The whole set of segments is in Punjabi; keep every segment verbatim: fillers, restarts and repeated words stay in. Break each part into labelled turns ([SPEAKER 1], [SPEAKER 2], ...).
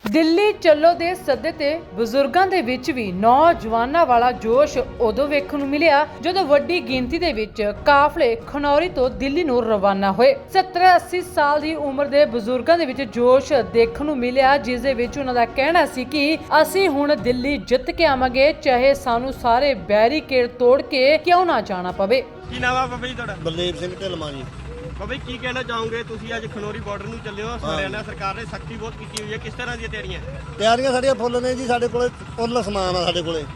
[SPEAKER 1] ਦਿੱਲੀ ਚੱਲੋ ਦੇ ਸੱਦੇ ਤੇ ਬਜ਼ੁਰਗਾਂ ਦੇ ਵਿੱਚ ਵੀ ਨੌਜਵਾਨਾਂ ਵਾਲਾ ਜੋਸ਼ ਉਦੋਂ ਵੇਖਣ ਨੂੰ ਮਿਲਿਆ ਜਦੋਂ ਵੱਡੀ ਗਿਣਤੀ ਦੇ ਵਿੱਚ ਕਾਫਲੇ ਖਨੌਰੀ ਤੋਂ ਦਿੱਲੀ ਨੂੰ ਰਵਾਨਾ ਹੋਏ। ਸੱਤਰ ਅੱਸੀ ਸਾਲ ਦੀ ਉਮਰ ਦੇ ਬਜ਼ੁਰਗਾਂ ਦੇ ਵਿੱਚ ਜੋਸ਼ ਦੇਖਣ ਨੂੰ ਮਿਲਿਆ, ਜਿਸ ਦੇ ਵਿੱਚ ਉਹਨਾਂ ਦਾ ਕਹਿਣਾ ਸੀ ਕਿ ਅਸੀਂ ਹੁਣ ਦਿੱਲੀ ਜਿੱਤ ਕੇ ਆਵਾਂਗੇ, ਚਾਹੇ ਸਾਨੂੰ ਸਾਰੇ ਬੈਰੀਕੇਡ ਤੋੜ ਕੇ ਕਿਉਂ ਨਾ ਜਾਣਾ ਪਵੇ।
[SPEAKER 2] ਕੀ ਨਾਮ ਆ ਬਾਬਾ ਜੀ ਤੁਹਾਡਾ?
[SPEAKER 3] ਬਲਦੇਵ ਸਿੰਘ ਢਿਲਮਾ ਜੀ।
[SPEAKER 2] ਬਾਬਾ ਜੀ ਕੀ ਕਹਿਣਾ ਚਾਹੋਗੇ, ਤੁਸੀਂ ਅੱਜ ਖਨੌਰੀ ਬਾਰਡਰ ਨੂੰ ਚੱਲੇ ਹੋ, ਹਰਿਆਣਾ ਸਰਕਾਰ ਨੇ ਸਖਤੀ ਬਹੁਤ ਕੀਤੀ ਹੋਈ ਹੈ, ਕਿਸ ਤਰ੍ਹਾਂ ਦੀਆਂ ਤਿਆਰੀਆਂ?
[SPEAKER 3] ਤਿਆਰੀਆਂ ਸਾਡੀਆਂ ਫੁੱਲ ਨੇ ਜੀ। ਸਾਡੇ ਕੋਲੇ ਫੁੱਲ ਸਮਾਨ ਆ ਸਾਡੇ ਕੋਲੇ।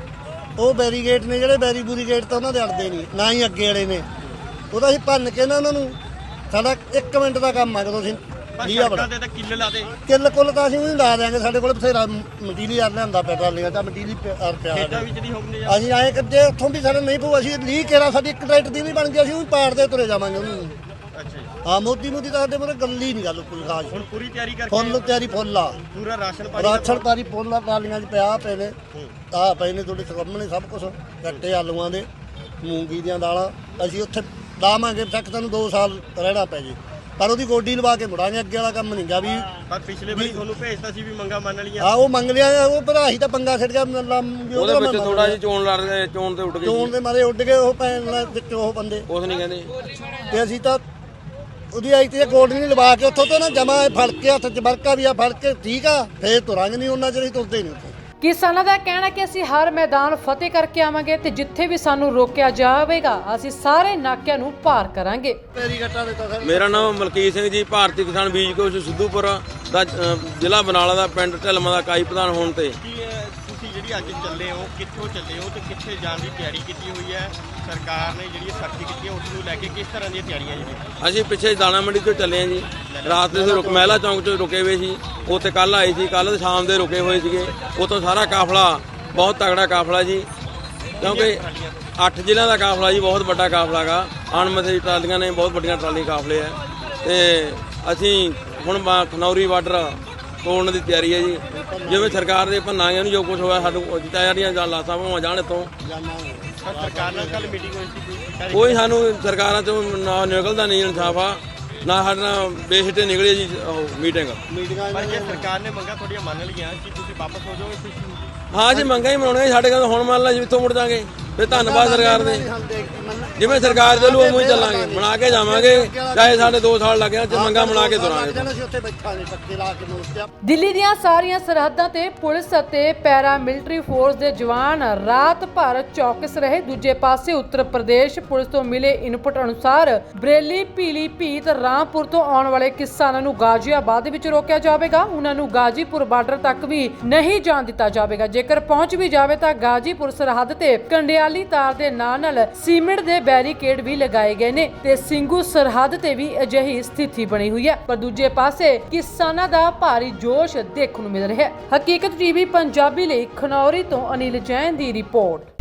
[SPEAKER 3] ਉਹ ਬੈਰੀਗੇਟ ਨੇ ਜਿਹੜੇ ਬੈਰੀ ਬੂਰੀ ਗੇਟ ਤਾਂ ਉਹਨਾਂ ਦੇ ਅੜਦੇ ਨਹੀਂ, ਨਾ ਹੀ ਅੱਗੇ ਵਾਲੇ ਨੇ। ਉਹਦਾ ਅਸੀਂ ਭੰਨ ਕੇ ਨਾ ਉਹਨਾਂ ਨੂੰ, ਸਾਡਾ ਇੱਕ ਮਿੰਟ ਦਾ ਕੰਮ ਆ। ਜਦੋਂ ਅਸੀਂ ਲੀਆ ਬੜਾ
[SPEAKER 2] ਤੇ ਤਾਂ ਕਿੱਲ ਲਾ ਦੇ
[SPEAKER 3] ਕਿੱਲ ਕੁੱਲ ਤਾਂ ਅਸੀਂ ਉਹਨੂੰ ਲਾ ਦਿਆਂਗੇ। ਸਾਡੇ ਕੋਲ ਬਥੇਰਾ ਮਟੀਰੀਅਲ ਲਿਆਂਦਾ ਪਿਆ, ਟਰਾਲੀਆਂ ਤਾਂ ਮਟੀਰੀਅਲ ਪਿਆ
[SPEAKER 2] ਖੇਤਾਂ ਵਿੱਚ ਨਹੀਂ ਹੋਣਗੇ।
[SPEAKER 3] ਅਸੀਂ ਆਏ ਕਰਦੇ ਉੱਥੋਂ ਵੀ ਸਾਡੇ ਨਹੀਂ ਪਊ। ਅਸੀਂ ਲੀ ਕੇਰਾ ਸਾਡੀ ਇੱਕ ਟਰੈਕਟਰ ਦੀ ਵੀ ਬਣ ਗਈ, ਅਸੀਂ ਉਹ ਪਾੜਦੇ ਤੁਰੇ ਜਾਵਾਂਗੇ ਉਹਨੂੰ।
[SPEAKER 2] ਅੱਛਾ ਜੀ।
[SPEAKER 3] ਹਾਂ, ਮੋਦੀ ਮੋਦੀ ਤਾਂ ਸਾਡੇ ਮੂਹਰੇ ਗੱਲ ਹੀ ਨਹੀਂ, ਗੱਲ ਕੋਈ ਖਾਸ।
[SPEAKER 2] ਹੁਣ ਪੂਰੀ ਤਿਆਰੀ ਕਰਕੇ
[SPEAKER 3] ਫੁੱਲ ਤਿਆਰੀ ਫੁੱਲ ਆ,
[SPEAKER 2] ਪੂਰਾ ਰਾਸ਼ਨ ਪਾਣੀ
[SPEAKER 3] ਰਾਸ਼ਨ ਪਾਣੀ ਫੁੱਲ ਆ, ਟਰਾਲੀਆਂ 'ਚ ਪਿਆ ਪਏ ਨੇ। ਆਹ ਪਏ ਨੇ ਤੁਹਾਡੇ ਸਾਹਮਣੇ ਸਭ ਕੁਝ, ਕੱਟੇ ਆਲੂਆਂ ਦੇ, ਮੂੰਗੀ ਦੀਆਂ ਦਾਲਾਂ। ਅਸੀਂ ਉੱਥੇ ਲਾਵਾਂਗੇ ਤੱਕ ਤੁਹਾਨੂੰ ਦੋ ਸਾਲ ਰਹਿਣਾ ਪੈ ਜੇ, ਪਰ ਉਹਦੀ ਗੋਡੀ ਲਵਾ ਕੇ ਮੁੜਾਂਗੇ। ਅੱਗੇ ਵਾਲਾ ਕੰਮ ਨਹੀਂ ਗਾ ਵੀ।
[SPEAKER 2] ਪਰ ਪਿਛਲੇ ਵਾਰੀ ਤੁਹਾਨੂੰ ਭੇਜਤਾ ਸੀ ਵੀ ਮੰਗਾ ਮੰਨ ਲਈਆਂ।
[SPEAKER 3] ਹਾਂ, ਉਹ ਮੰਗ ਲਿਆ, ਉਹ ਭਰਾ ਹੀ ਤਾਂ ਪੰਗਾ ਛੱਡ ਗਿਆ। ਉਹਦੇ
[SPEAKER 4] ਵਿੱਚ ਥੋੜਾ ਜਿਹਾ ਚੋਣ ਲੜ ਗਏ, ਚੋਣ ਤੇ ਉੱਡ ਗਏ,
[SPEAKER 3] ਚੋਣ ਦੇ ਮਾਰੇ ਉੱਡ ਗਏ ਉਹ ਪੈਣ ਵਿੱਚ ਉਹ ਬੰਦੇ।
[SPEAKER 4] ਕੁਛ ਨਹੀਂ ਕਹਿੰਦੇ।
[SPEAKER 3] ਤੇ ਅਸੀਂ ਤਾਂ ਉਹਦੀ ਆਈ ਤੇ ਗੋਡੀ ਨਹੀਂ ਲਵਾ ਕੇ ਉੱਥੋਂ ਤੋਂ ਨਾ ਜਮਾ ਫੜ ਕੇ ਹੱਥ 'ਚ ਵਰਕਾ ਵੀ ਆ ਫੜ ਕੇ, ਠੀਕ ਆ, ਫੇਰ ਤੁਰਾਂਗੇ ਨਹੀਂ। ਉਹਨਾਂ ਚਿਰ ਅਸੀਂ ਤੁਰਦੇ ਨਹੀਂ ਉੱਥੇ।
[SPEAKER 1] ਕਿਸਾਨਾਂ ਦਾ ਕਹਿਣਾ ਕਿ ਅਸੀਂ ਹਰ ਮੈਦਾਨ ਫਤਿਹ ਕਰਕੇ ਆਵਾਂਗੇ ਤੇ ਜਿੱਥੇ ਵੀ ਸਾਨੂੰ ਰੋਕਿਆ ਜਾਵੇਗਾ ਅਸੀਂ ਸਾਰੇ ਨਾਕਿਆਂ ਨੂੰ ਪਾਰ ਕਰਾਂਗੇ।
[SPEAKER 4] ਮੇਰਾ ਨਾਮ ਮਲਕੀਤ ਸਿੰਘ ਜੀ, ਭਾਰਤੀ ਕਿਸਾਨ ਬੀਜ ਕੋਸ਼ ਸਿੱਧੂਪੁਰ ਦਾ ਅ, ਜ਼ਿਲ੍ਹਾ ਬਰਨਾਲਾ ਦਾ ਪਿੰਡ ਢਿਲਮਾ ਦਾ ਇਕਾਈ ਪ੍ਰਧਾਨ ਹੋਣ ਤੇ
[SPEAKER 2] ਕੀ ਅਹ, ਤੁਸੀਂ ਜਿਹੜੀ ਅੱਜ ਚੱਲੇ ਹੋ, ਕਿੱਥੋਂ ਚੱਲੇ ਹੋ ਤੇ ਕਿੱਥੇ ਜਾਣ ਦੀ ਤਿਆਰੀ ਕੀਤੀ ਹੋਈ ਹੈ? ਸਰਕਾਰ ਨੇ ਜਿਹੜੀ ਸਖਤੀ ਕੀਤੀ ਹੈ ਉਸ ਨੂੰ ਲੈ ਕੇ ਕਿਸ ਤਰ੍ਹਾਂ ਦੀਆਂ ਤਿਆਰੀਆਂ ਜੀ?
[SPEAKER 4] ਅਸੀਂ ਪਿੱਛੇ ਦਾਣਾ ਮੰਡੀ ਤੋਂ ਚੱਲੇ ਹਾਂ ਜੀ। ਰਾਤ ਦੇ ਰੁਕ ਮਹਿਲਾ ਚੌਂਕ 'ਚ ਰੁਕੇ ਹੋਏ ਸੀ। ਉੱਥੇ ਕੱਲ ਆਏ ਸੀ, ਕੱਲ ਸ਼ਾਮ ਦੇ ਰੁਕੇ ਹੋਏ ਸੀਗੇ। ਉੱਥੋਂ ਸਾਰਾ ਕਾਫਲਾ, ਬਹੁਤ ਤਗੜਾ ਕਾਫਲਾ ਜੀ, ਕਿਉਂਕਿ ਅੱਠ ਜ਼ਿਲ੍ਹਿਆਂ ਦਾ ਕਾਫਲਾ ਜੀ, ਬਹੁਤ ਵੱਡਾ ਕਾਫਲਾ ਗਾ। ਅਣਮਿੱਥੇ ਟਰਾਲੀਆਂ ਨੇ, ਬਹੁਤ ਵੱਡੀਆਂ ਟਰਾਲੀ ਕਾਫਲੇ ਆ। ਤੇ ਅਸੀਂ ਹੁਣ ਖਨੌਰੀ ਬਾਰਡਰ ਤੋੜਨ ਦੀ ਤਿਆਰੀ ਹੈ ਜੀ। ਜਿਵੇਂ ਸਰਕਾਰ ਦੇ ਭੰਨਾਂਗੇ ਉਹਨੂੰ, ਜੋ ਕੁਝ ਹੋਇਆ ਸਾਨੂੰ ਤਿਆਰੀਆਂ ਜਾਂ ਲਾਸਾਂ ਭਾਵਾਂ ਜਾਣ ਇੱਥੋਂ।
[SPEAKER 2] ਸਰਕਾਰ ਨਾਲ ਕੱਲ ਮੀਟਿੰਗ ਹੋਈ ਸੀ,
[SPEAKER 4] ਕੋਈ ਸਾਨੂੰ ਸਰਕਾਰਾਂ ਤੋਂ ਨਾ ਨਿਕਲਦਾ ਨਹੀਂ ਇਨਸਾਫ ਆ, ਨਾ ਸਾਡੇ ਨਾਲ ਬੇਸਿੱਟੇ ਨਿਕਲੇ ਜੀ ਉਹ ਮੀਟਿੰਗ।
[SPEAKER 2] ਪਰ ਜੇ ਸਰਕਾਰ ਨੇ ਮੰਗਾ ਤੁਹਾਡੀਆਂ ਮੰਨ ਲਈਆਂ ਕਿ ਤੁਸੀਂ ਵਾਪਸ ਹੋ ਜਾਓਗੇ ਖੁਸ਼ੀ ਹੋਊਗੀ?
[SPEAKER 4] ਹਾਂ ਜੀ, ਮੰਗਾਂ ਹੀ ਮਨਾਉਣੀਆਂ ਸਾਡੇ ਕੋਲ। ਹੁਣ ਮੰਨ ਲਾ ਜੀ ਇੱਥੋਂ ਮੁੜ ਜਾਾਂਗੇ, ਫਿਰ ਧੰਨਵਾਦ ਸਰਕਾਰ ਦੇ। ਜਿਵੇਂ ਸਰਕਾਰ ਦੇ ਲੂ ਉਵੇਂ ਹੀ ਚੱਲਾਂਗੇ, ਬਣਾ ਕੇ ਜਾਵਾਂਗੇ, ਚਾਹੇ ਸਾਡੇ ਦੋ ਸਾਲ ਲੱਗ ਜਾਣ, ਮੰਗਾਂ ਬਣਾ ਕੇ ਤੁਰਾਂਗੇ।
[SPEAKER 1] ਦਿੱਲੀ ਦੀਆਂ ਸਾਰੀਆਂ ਸਰਹੱਦਾਂ ਤੇ ਪੁਲਿਸ ਅਤੇ ਪੈਰਾ ਮਿਲਟਰੀ ਫੋਰਸ ਦੇ ਜਵਾਨ ਰਾਤ ਭਰ ਚੌਕਸ ਰਹੇ। ਦੂਜੇ ਪਾਸੇ ਉੱਤਰ ਪ੍ਰਦੇਸ਼ ਪੁਲਿਸ ਤੋਂ ਮਿਲੇ ਇਨਪੁਟ ਅਨੁਸਾਰ ਬਰੇਲੀ, ਪੀਲੀਭੀਤ, ਰਾਮਪੁਰ ਤੋਂ ਆਉਣ ਵਾਲੇ ਕਿਸਾਨਾਂ ਨੂੰ ਗਾਜ਼ੀਆਬਾਦ ਵਿੱਚ ਰੋਕਿਆ ਜਾਵੇਗਾ। ਉਹਨਾਂ ਨੂੰ ਗਾਜ਼ੀਪੁਰ ਬਾਰਡਰ ਤੱਕ ਵੀ ਨਹੀਂ ਜਾਣ ਦਿੱਤਾ ਜਾਵੇਗਾ। ਜੇਕਰ ਪਹੁੰਚ ਵੀ ਜਾਵੇ ਤਾਂ ਗਾਜ਼ੀਪੁਰ ਸਰਹੱਦ ਤੇ ਕੰਡਿਆਲੀ ਤਾਰ ਦੇ ਨਾਲ ਨਾਲ ਸੀਮਿੰਟ ਦੇ ਬੈਰੀਕੇਡ ਵੀ ਲਗਾਏ ਗਏ ਨੇ ਤੇ ਸਿੰਘੂ ਸਰਹੱਦ ਤੇ ਵੀ ਅਜਿਹੀ ਸਥਿਤੀ ਬਣੀ ਹੋਈ ਹੈ। ਪਰ ਦੂਜੇ ਪਾਸੇ ਕਿਸਾਨਾਂ ਦਾ ਭਾਰੀ ਜੋਸ਼ ਦੇਖਣ ਨੂੰ ਮਿਲ ਰਿਹਾ ਹੈ। ਹਕੀਕਤ ਟੀਵੀ ਪੰਜਾਬੀ ਲਈ ਖਨੌਰੀ ਤੋਂ ਅਨਿਲ ਜੈਨ ਦੀ ਰਿਪੋਰਟ।